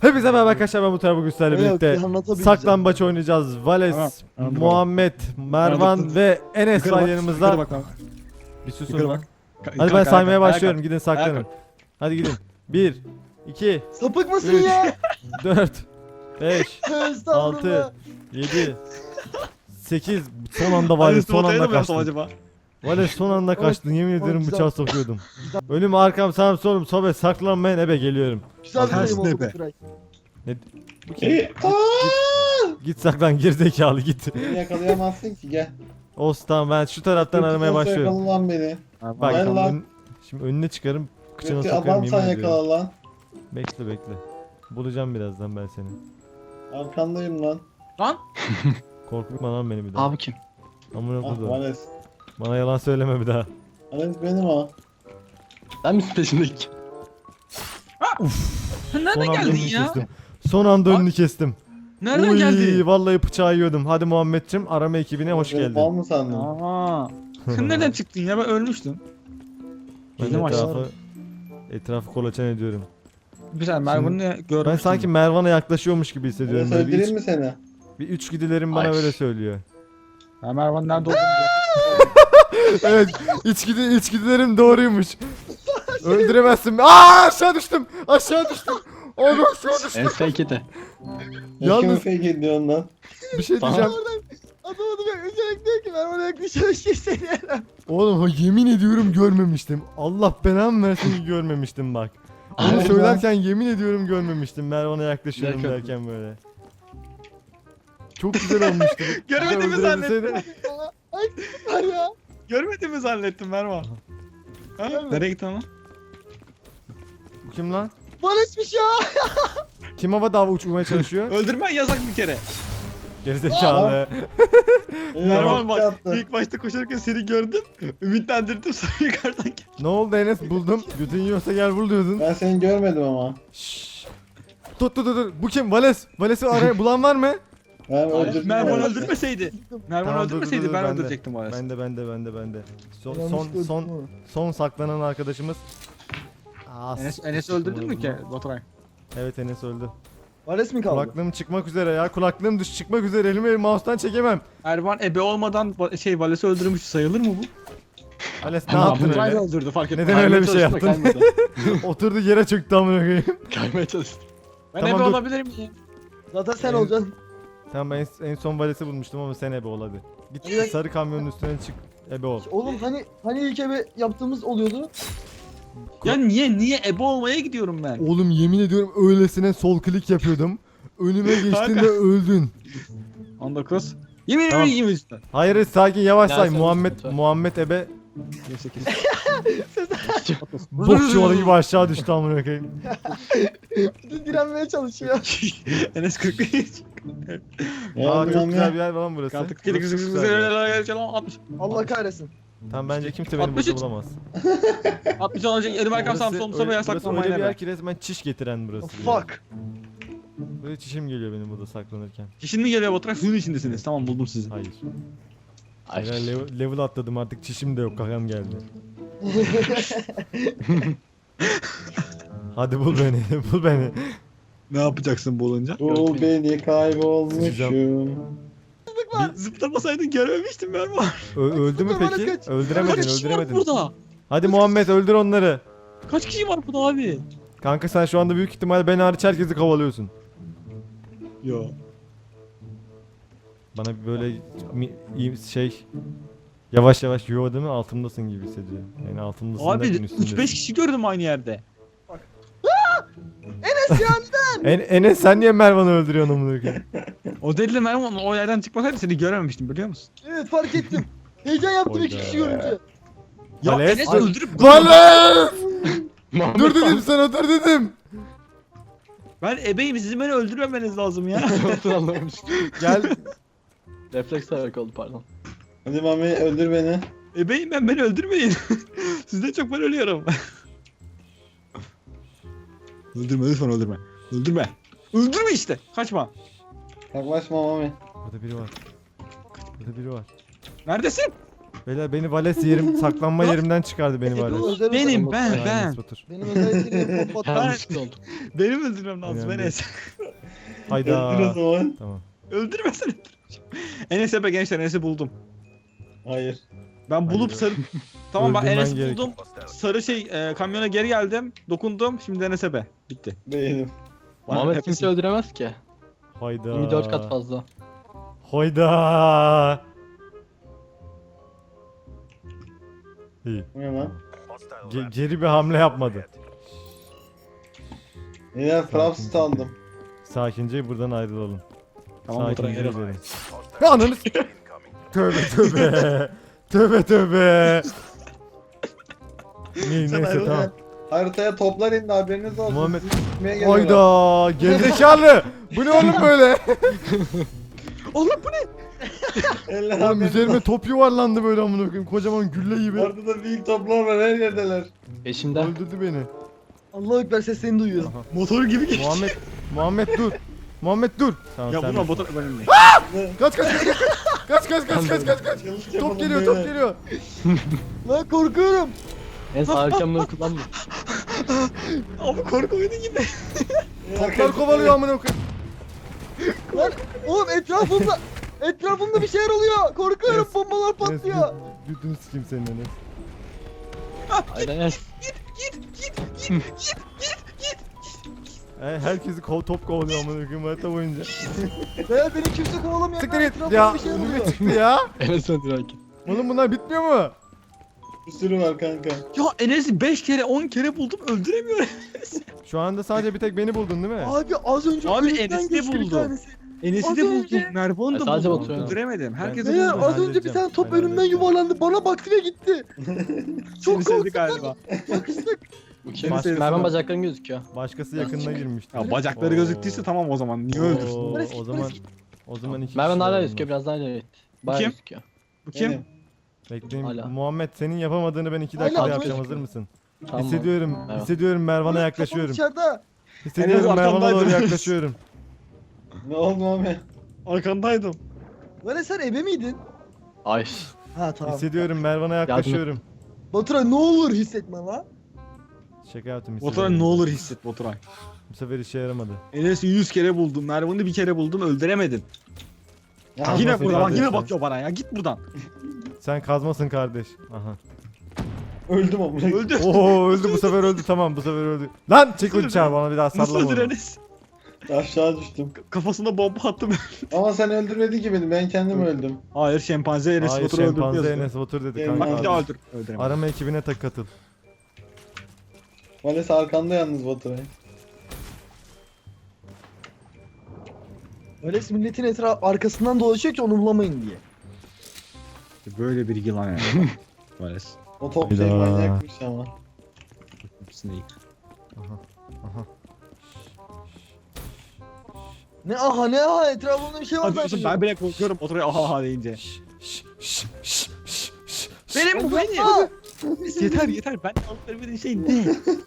Hepinize merhaba arkadaşlar, ben Muhtar, bugün sizlerle birlikte saklambaç oynayacağız. Vales, Muhammed, Mervan ve Enes var yanımızda. Bir susun lan. Hadi ben saymaya başlıyorum, gidin saklanın. Hadi gidin. 1, 2, Sapık mısın 3, ya? 4, 5, 6, Estağfurullah. 7, 8. Son anda Vales, son anda kaçtın. Vales son anda kaçtın, yemin ederim güzel. bıçağı sokuyordum. Önüm arkam sağım solum sobe, saklanmayın, ebe geliyorum. Güzel bir Ters sayım oldu tepe. bu Turay. Bu kim? Git saklan, gerizekalı git. Beni yakalayamazsın ki, gel. Olsun, tamam, ben şu taraftan aramaya başlıyorum. Yakala lan beni. Bak Gel lan. şimdi önüne çıkarım, kıçına Gökçe sokarım, adam yemin sen ediyorum. yakala lan. Bekle. Bulacağım birazdan ben seni. Arkandayım lan. Korkutma lan beni bir daha. Abi kim? Amına Ah koydum. Vales. Bana yalan söyleme bir daha. Vales benim ha. Sen misin peşindeki? Son Nereden anda geldin önünü ya? kestim. Son anda önünü kestim. Nereden Uy, geldin? vallahi bıçağı yiyordum. Hadi Muhammedciğim, arama ekibine hoş Beni geldin. Bal mı sandın? Aa. Sen nereden çıktın ya? Ben ölmüştüm. Ben Bizim etrafı kolaçan ediyorum. Güzel, Mervan'ı görmüştüm. Ben sanki Mervan'a yaklaşıyormuş gibi hissediyorum. Vales Böyle öldüreyim mi seni? bir üç gidilerim bana öyle söylüyor. Ben Mervan nerede olduğunu Evet, içgüdülerim doğruymuş. Öldüremezsin. Aa, aşağı düştüm. Aşağı düştüm. Oğlum aşağı düştüm. En fake it. Yalnız- Kimi fake ediyorsun lan? Bir şey Tamam. diyeceğim. Adamı da üzerek diyor ki ben bana yaklaşamış hissediyorum. Oğlum yemin ediyorum görmemiştim. Allah belamı versin ki görmemiştim bak. Onu Aynen. söylerken yemin ediyorum görmemiştim. Mervan'a yaklaşıyorum Yakın. derken böyle. Çok güzel olmuştu. Görmediğimi Bir de öldürebilseydim. zannettim. Var ya. Görmediğimi zannettim Mervan. Ha? Nereye gittin lan? Bu kim lan? Barışmış ya. Kim havada uçmaya çalışıyor? Öldürmen yasak bir kere. Gerizekalı. Mervan bak, Yaptı. ilk başta koşarken seni gördüm. Ümitlendirdim, sonra yukarıdan geldim. Ne oldu Enes, buldum. Götün yiyorsa gel bul diyordun. Ben seni görmedim ama. Şşş. Dur. Bu kim? Vales. Vales'i araya bulan var mı? Ben öldürdüm. Mervan Vales'i. öldürmeseydi. Mervan Tamam, dur, öldürmeseydi dur, ben ben de. öldürecektim o arası. Bende. Yanlış gördüm. Son saklanan arkadaşımız. Aa, Enes öldürdün mü ki Baturay? Evet, Enes öldü. Vales mi kaldı? Kulaklığım çıkmak üzere ya. Kulaklığım çıkmak üzere. Elimi mouse'tan çekemem. Ervan ebe olmadan Vales'i öldürmüş sayılır mı bu? Vales ne Ama yaptın Baturay da öyle? öldürdü, fark etmez. Neden öyle bir şey Kaymaya yaptın? çalıştım da kaymadı. Oturdu yere çöktü amına koyayım. Kaymaya çalıştım. Ben Tamam, ebe dur. olabilir miyim? Zaten sen Benim- olacaksın. Tamam, ben en son Vales'i bulmuştum ama sen ebe ol hadi. Git Evet. sarı kamyonun üstüne çık, ebe ol. Oğlum hani ilk eve yaptığımız oluyordu. Ya niye ebe olmaya gidiyorum ben? Oğlum yemin ediyorum öylesine sol klik yapıyordum. Önüme geçtin Kanka. de öldün. 19. Yemin Tamam. ederim üstten. Hayır, sakin, yavaş Ya say. sen Muhammed lütfen. Muhammed ebe 28. bok çuvalı gibi aşağı düştü amına koyayım. Bir de direnmeye çalışıyor. Enes 43. Aa, çok Yardım güzel bir ya. yer lan burası. Kaldık. Burası çok güzel bir yer. 60. Allah kahretsin. Tamam, bence kimse beni burada 63. bulamaz. 60 olacak. Elim arkam sağım solum sobe burası öyle yasaklanmayın bir yer ebe. ki resmen çiş getiren burası. Fuck. Böyle çişim geliyor benim burada saklanırken. Kişinin mi geliyor Baturay? Suyun içindesiniz. Tamam, buldum sizi. Hayır. Ay. Ben level atladım artık, çişim de yok, kakam geldi. Hadi bul beni, bul beni. Ne yapacaksın bu olunca? Bul beni, kaybolmuşum. Zıplamasaydın görmemiştim ben bu. Öldü mü Bana peki? kaç. Öldüremedin, Kaç kişi var öldüremedin. burada? Hadi Muhammed, öldür onları. Kaç kişi var burada abi? Kanka sen şu anda büyük ihtimal beni hariç herkesi kovalıyorsun. Yo. Bana böyle yavaş yavaş yo değil mi, altımdasın gibi hissediyorum. Yani altımdasın Abi derken üstündesin. 3-5 kişi gördüm aynı yerde. Enes sen niye Mervan'ı öldürüyorsun amına koyayım? O deliyle Mervan o yerden çıkmasaydı seni görememiştim, biliyor musun? Evet, fark ettim. Heyecan yaptım iki Oyda. kişi görünce. Ya Vales? Enes öldürüp Vales! Muhammed Dur dedim sana, dur dedim. ben ebeyim, sizin beni öldürmemeniz lazım ya. Nasıl anlamış? Gel. Refleks olarak oldu pardon. Hadi Mami, öldür beni. Ebeyim ben, beni öldürmeyin. Sizden çok ben ölüyorum. Öldürme lütfen, öldürme. Öldürme. Öldürme işte. Kaçma. Yaklaşma Mami. Burada biri var. Burada biri var. Neredesin? Beyler beni Vales yerim saklanma yerimden çıkardı beni Vales. Özel Benim özel- ben. Enes Batur. Benim özelliklerim pop atlar. Yanlışlıkla oldu. Benim öldürmem lazım Önemli Enes. Hayda. Öldür o zaman. Tamam. Öldürmesen öldüreceğim. Enes'e be gençler Enes'i buldum. Hayır. Ben bulup sarı... Tamam bak Öldürmen Enes'i gerek. buldum. Sarı kamyona geri geldim. Dokundum. Şimdi Enes'e be. Bitti. Değilim. Muhammed Hepsi- kimse öldüremez ki. Hayda. 24 kat fazla. Hayda. İyi. Bu ne lan? Geri bir hamle yapmadı. Yine Fraps aldım. Sakince buradan ayrılalım. Tamam Baturay Sakince geri. gidelim. Ya ananı s- Tövbe tövbe. Tövbe tövbe. Neyse tamam. Haritaya toplar indi haberiniz olsun. Muhammed- Sizi sikmeye geliyorlar. Hayda. Gerizekalı. Bu ne oğlum böyle? Oğlum bu ne? Eller Oğlum haberiniz üzerime olsun. top yuvarlandı böyle amına koyayım. Kocaman gülle gibi. Orada da büyük toplar var her yerdeler. Peşimde. Öldürdü beni. Allahu Ekber seslerini duyuyor. Motor gibi geçti. Muhammed dur. Muhammed dur. Tamam Ya sen vurma de. Baturay ben önüne. Kaç kaç kaç kaç kaç kaç kaç kaç kaç. Yanlış Top yapalım geliyor beyler. top geliyor. Lan korkuyorum. En sağ arkamları kullanma. Abi korku oyunu gibi. Toplar kovalıyor amına koyayım. Lan oğlum etrafımda bir şeyler oluyor. Korkuyorum Enes- bombalar patlıyor. Düdüğünü sikeyim senin Enes. Aynen Enes. Herkesi top kovalıyor amına koyayım harita boyunca. Veya beni kimse kovalamıyor. Siktir Lan git etrafımda ya. bir şeyler Önüme oluyor. çıktı ya. Enes öldüren kim? Oğlum bunlar bitmiyor mu? Bir sürü var kanka. Ya Enes'i 5 kere 10 kere buldum öldüremiyorum. Şu anda sadece bir tek beni buldun değil mi? Abi az önce Abi önümden Enes'i de geçti bir buldu. tanesi. Enes'i Az de buldum. önce- Mervan'ı da Sadece buldum. Baturay. Öldüremedim. Herkesi Beyler buldum. Ben az önce bir halledeceğim. tane top Ben önümden halledeceğim. yuvarlandı. Bana baktı ve gitti. Seni Çok sevdi korktum. galiba. Yakıştık. Bu kim? Seni sevdim Mervan ben. bacakların gözüküyor. Başkası yakınına girmişti. Ya bacakları Oo. gözüktüyse tamam o zaman. Niye öldürsün? Oo, o zaman iki Mervan kişi hala var gözüküyor, biraz daha ileri. Bayağı Kim? gözüküyor. Bu kim? Benim. Bekleyin. Hala. Muhammed senin yapamadığını ben 2 Hala dakikada böyle yapacağım. Hazır gözüküyor. mısın? Tamam. Hissediyorum. Evet. Hissediyorum Mervan'a Kafam yaklaşıyorum. dışarıda. Hissediyorum Enes Mervan'a doğru arkamdaydı. yaklaşıyorum. Ne oldu Mami? Arkandaydım. Lan sen ebe miydin? Ay. Ha tamam. Hissediyorum Mervan'a yaklaşıyorum. Baturay ne olur hissetme lan. Şaka yaptım Baturay hissediyorum. ne olur hisset Baturay. Bu sefer işe yaramadı. Enes'i 100 kere buldum. Mervan'ı bir kere buldum öldüremedin. Ya, Tamam. Yine nasıl burada bak kardeş yine ya? bakıyor bana ya. Git buradan. Sen kazmasın kardeş. Aha. öldüm ama. Öldü. Oo öldü bu sefer öldü tamam bu sefer öldü. Lan çek Nasıl uçağı bana bir daha Nasıl sallama öldür onu. Enes? Aşağı düştüm. Kafasına bomba attım. Ama sen öldürmedin ki beni. Ben kendim öldüm. Hayır şempanze Enes Hayır Batur'u öldürdü şempanze yazıyor. Enes Batur dedi Bak, Bak bir kanka. daha abi. öldür. Öldüremedim. Arama ekibine katıl. Vales arkanda yalnız Baturay. Öyle milletin arkasından dolaşıyor ki onu bulamayın diye. Böyle bir yılan yani. Maalesef. O top şey Hayda. manyakmış ama. Snake. Aha. Ne aha etrafımda bir şey var Hadi zaten. ben bile korkuyorum Batur'a aha aha deyince. Benim bu benim. Yeter ben alıp vermediğin şey ne?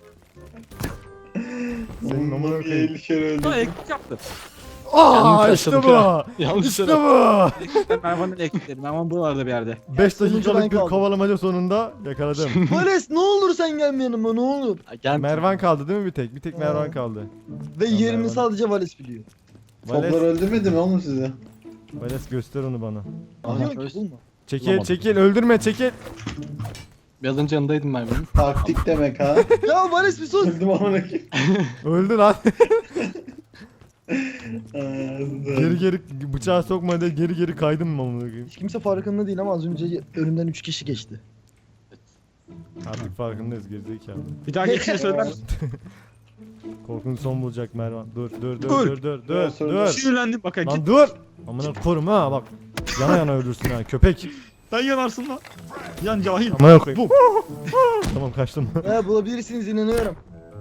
Senin amına Bir koyayım. 50 kere öldüm. Daha elektrik yaptı. Aa Yanlış işte bu. yaşadık Yanlış İşte yere- bu. Ben Mervan'ın elektrikleri. Mervan buralarda bir yerde. 5 Sonuncu ben dakikalık bir kaldım. kovalamaca sonunda yakaladım. Vales ne olur sen gelme yanıma ne olur. Gel. Mervan kaldı değil mi bir tek? Bir tek Mervan kaldı. Ve Tamam, yerini Mervan. sadece Vales biliyor. Toplar Vales, öldürmedi mi oğlum sizi? Vales göster onu bana. Biliyor Aha. ki bulma. Çekil Bulamadım. çekil öldürme çekil. Biraz önce yanındaydım Mervan'ın. Taktik demek ha. Ya Vales bir sus. Öldüm amına koyayım. Öldü lan. Ağzı. geri geri bıçağı sokma diye geri geri kaydım mı amına koyayım? Hiç kimse farkında değil ama az önce önümden 3 kişi geçti. Artık farkındayız gerizekalı. Bir daha geçince söyler misin? Korkunç son bulacak Mervan. Dur dur dur Öl. dur dur dur dur. Sinirlendim bak Lan git. dur. Amına korum ha bak. Yana yana ölürsün ha köpek. Sen yanarsın lan. Yan cahil. Amına koyayım. Tamam kaçtım. Bulabilirsiniz inanıyorum.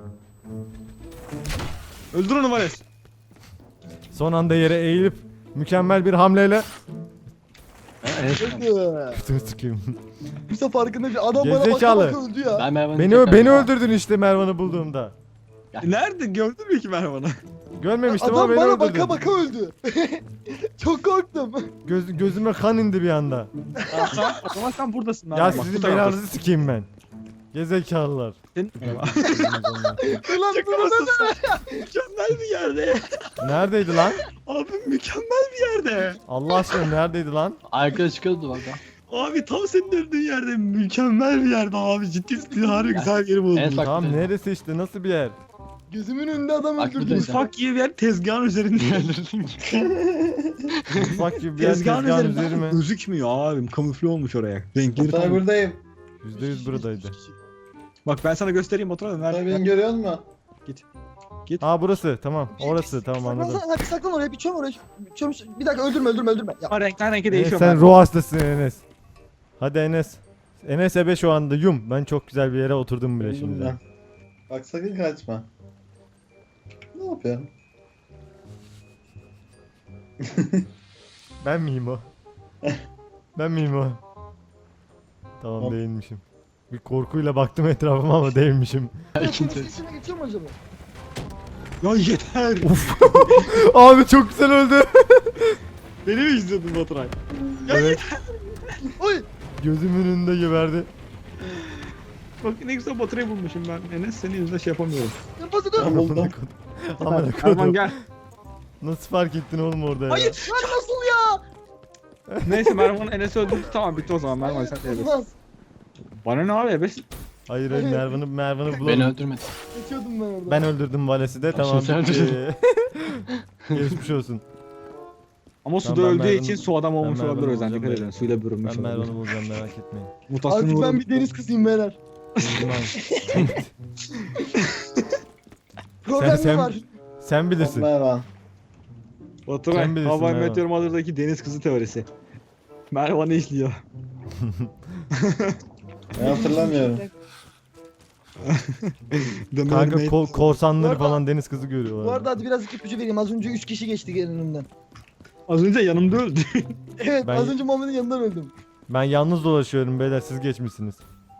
Öldür onu Vales. Son anda yere eğilip mükemmel bir hamleyle Evet. Kötümü sıkayım. Kimse farkında değil. Adam bana Gerizekalı. baka öldü ya. Ben Mervan'ı Beni tekrar- beni öldürdün işte Mervan'ı bulduğumda. Nerede gördün mü ki Mervan'ı? Görmemiştim ama Adam beni bana öldürdü. baka baka öldü. Çok korktum. Gözüme kan indi bir anda. Tamam, o zaman sen buradasın. Ya sizin belanızı sikeyim ben. Gezekalılar. Ulan Şaka bunu mısın sen? Mükemmel bir yerde. Neredeydi lan? Abi mükemmel bir yerde. Allah aşkına neredeydi lan? Arkada çıkıyordu bak. Abi tam senin öldüğün yerde mükemmel bir yerde abi. Ciddi harbi güzel yeri buldun. Evet, bak. Tamam neresi işte nasıl bir yer? gözümün önünde adam Bak öldürdü. buradayız. Mutfak gibi bir yer tezgahın üzerinde. Mutfak gibi bir yer Tezgahın tezgahın üzerinde üzeri mi? gözükmüyor abi. Kamufle olmuş oraya. Renkleri Otur tam. buradayım. %100 buradaydı. Bak ben sana göstereyim Baturay da Sen nerede? beni görüyor musun? Aa burası tamam orası tamam anladım. Hadi saklan oraya bir çöm oraya. Çöm, bir dakika öldürme. Ya. Ama renkten renke Enes değişiyor. sen ben. ruh hastasın Enes. Hadi Enes. Enes ebe şu anda yum. Ben çok güzel bir yere oturdum bile Buldum şimdi. ben. Bak sakın kaçma. Ne yapıyorsun? Ben miyim o? Ben miyim o? Tamam Hop. değilmişim. Bir korkuyla baktım etrafıma ama değilmişim. İkinci. İçine geçiyor mu acaba? Ya yeter. Abi çok güzel öldü. Beni mi izliyordun Baturay? Evet. Oy. Gözümün önünde geberdi. Bak ne güzel Baturay'ı bulmuşum ben. Enes senin yüzünden şey yapamıyorum. Yapası dur. Ben buldum. Amına Erman kodum. gel. Nasıl fark ettin oğlum orada ya? Hayır. Lan nasıl ya? Neyse Mervan Enes'i öldürdü tamam bitti o zaman Mervan sen de ebesin. Olmaz. Bana ne abi ebesin? Hayır Mervan'ı Beni bulalım. öldürmedi. Geçiyordum ben orada. Ben öldürdüm Vales'i de tamam. sen bitti. Geçmiş olsun. Ama suda Tamam, ben öldüğü Mervan'ı- için su adam olmuş ben olabilir o yüzden Mervan'ı dikkat edin. Suyla bürünmüş Ben olabilir. Mervan'ı bulacağım merak etmeyin. Mutasyona Artık ben uğradı. bir deniz kızıyım beyler. Buldum abi. Problem sen- mi var? Sen bilirsin. Mervan. Baturay, Sen bilirsin Hawaii Mervan. Meteor Mother'daki deniz kızı teorisi. Mervan'ı işliyor. Ben hatırlamıyorum. The Kanka Mermaid. korsanları Bu arada- falan deniz kızı görüyorlar. Bu arada hadi birazcık ipucu vereyim. Az önce 3 kişi geçti önümden. Az önce yanımda öldü. Evet Ben- az önce Muhammed'in yanından öldüm. Ben yalnız dolaşıyorum beyler siz geçmişsiniz.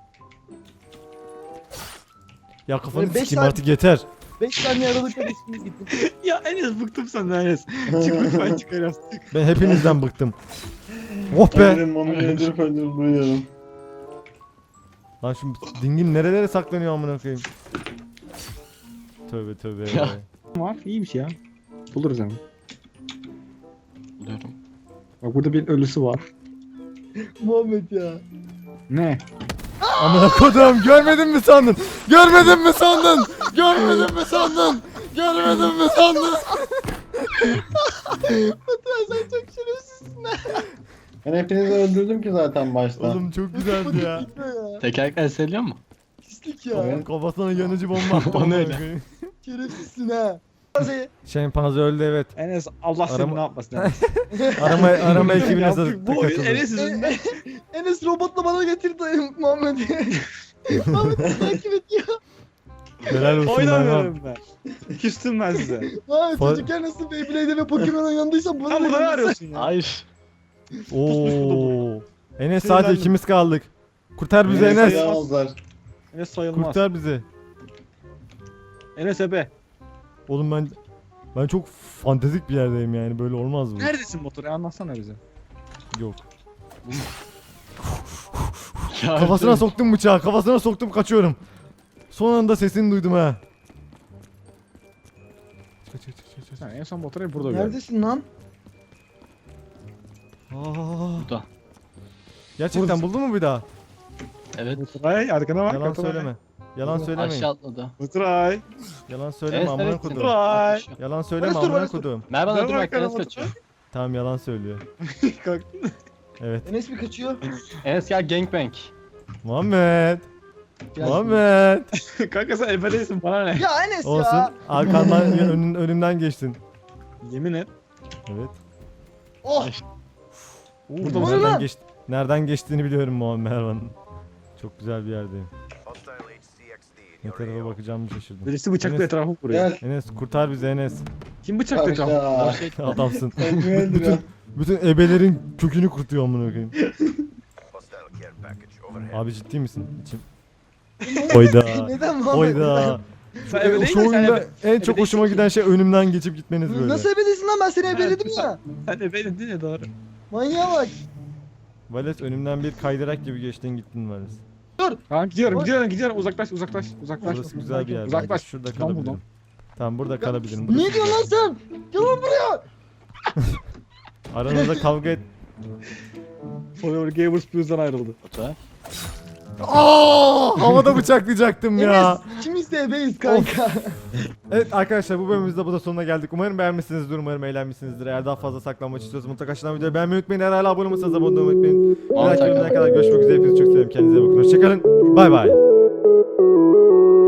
Ya kafanı Böyle beş sikeyim saat- artık yeter. 5 saniye aralıkla geçtiniz gittim. ya Enes bıktım senden Enes. Çık lütfen çık Enes. Çık. Ben hepinizden bıktım. Oh be. Benim onu öldürüp duyuyorum. Lan şu dingin nerelere saklanıyor amına koyayım. Tövbe tövbe. Ya. Var iyiymiş ya. Buluruz ama. Buluyorum. Bak burada bir ölüsü var. Muhammed ya. Ne? Amına kodum görmedin mi sandın? Görmedin mi sandın? Görmedin mi sandın? Görmedin mi sandın? Baturay sen çok şerefsizsin ha. Ben hepinizi öldürdüm ki zaten başta. Oğlum çok güzeldi ya. Gitme ya. Tekerlekler seviyor mu? Pislik ya. Evet. Kafasına yanıcı bomba attı. O ne amına öyle? koyayım. Şerefsizsin ha. Şey, Şempanze öldü evet. Enes Allah seni Arama- ne yapmasın Enes. Arama ekibine Ya sattık. bu Enes yüzünden. Enes robotla bana getirdi Muhammed'i. Muhammed'i takip ediyor. Helal olsun Mervan. Oynamıyorum ben. Küstüm ben size. Ha Fa- çocukken nasıl Beyblade'e ve Pokemon oynandıysan bunu Sen burada ne oynadın. arıyorsun ya? Hayır. Oo. Enes Sinirlendim. sadece ikimiz kaldık. Kurtar bizi Beni Enes. sayamazlar. Enes sayılmaz. Kurtar bizi. Enes ebe. Oğlum ben çok fantezik bir yerdeyim yani böyle olmaz bu. Neredesin motoru? Anlatsana bize. Yok. Ya Kafasına soktum bıçağı. Kafasına soktum kaçıyorum. Son anda sesini duydum ha. Çık. Sen en son motoru burada gördüm. Neredesin lan? Aa. Burada. Gerçekten buldun mu bir daha? Evet. Baturay arkana bak. Yalan Baturay. söyleme. Yalan söylemeyin. Aşağı atladı. Baturay. Yalan söyleme Enes amına neredesin? kodum. Baturay. Yalan söyleme Barış dur, amına Barış dur. kodum. Mervan Ne öldür var bak Enes kanalda? kaçıyor. Tamam yalan söylüyor. Kalk. Evet. Enes mi kaçıyor? Enes gel gangbang. Muhammed. Gel. Muhammed. Kanka sen ebe değilsin bana ne? Ya Enes Olsun. ya. Arkandan önümden geçtin. Yemin et. Evet. Oh. Burada mısın? nereden geçti? Nereden geçtiğini biliyorum Muhammed Ervan'ın. Çok güzel bir yerdeyim. Ne tarafa bakacağımı şaşırdım. Birisi bıçakla Enes- etrafı vuruyor. Gel. Enes kurtar bizi Enes. Kim bıçakla etrafı? Aşağı. Adamsın. Ben kimi öldürüyorum? Bütün ebelerin kökünü kurutuyor amına koyayım. Abi ciddi misin? İçim. Oyda. Neden Muhammed? Oyda. Sen eve değil Şu de sen oyunda eve. en çok hoşuma giden şey önümden geçip gitmeniz böyle. Nasıl ebedeysin lan, ben seni ebeledim ya. Sen eveydin değil mi doğru? Manyağa bak. Vales önümden bir kaydırak gibi geçtin gittin Vales. Tamam gidiyorum uzaklaş. Burası güzel bir yer. Uzaklaş. Belki şurada Tamam kalabilirim. buradan. Tamam burada kalabilirim. Burası Ne diyorsun lan sen? Gel lan buraya. Aranızda kavga et. Forever Gamers Plus'dan ayrıldı. Otur. Havada bıçaklayacaktım ya. Enes ikimiz de ebeyiz kanka. Evet arkadaşlar bu bölümümüzde bu da sonuna geldik. Umarım beğenmişsinizdir, umarım eğlenmişsinizdir. Eğer daha fazla saklanmak istiyorsanız mutlaka aşağıdan videoyu beğenmeyi unutmayın. Eğer hala abone olmasanız abone olmayı unutmayın. Bir dahaki bölümden kadar görüşmek üzere. Hepinizi çok seviyorum. Kendinize iyi bakın. Hoşçakalın. Bay bay.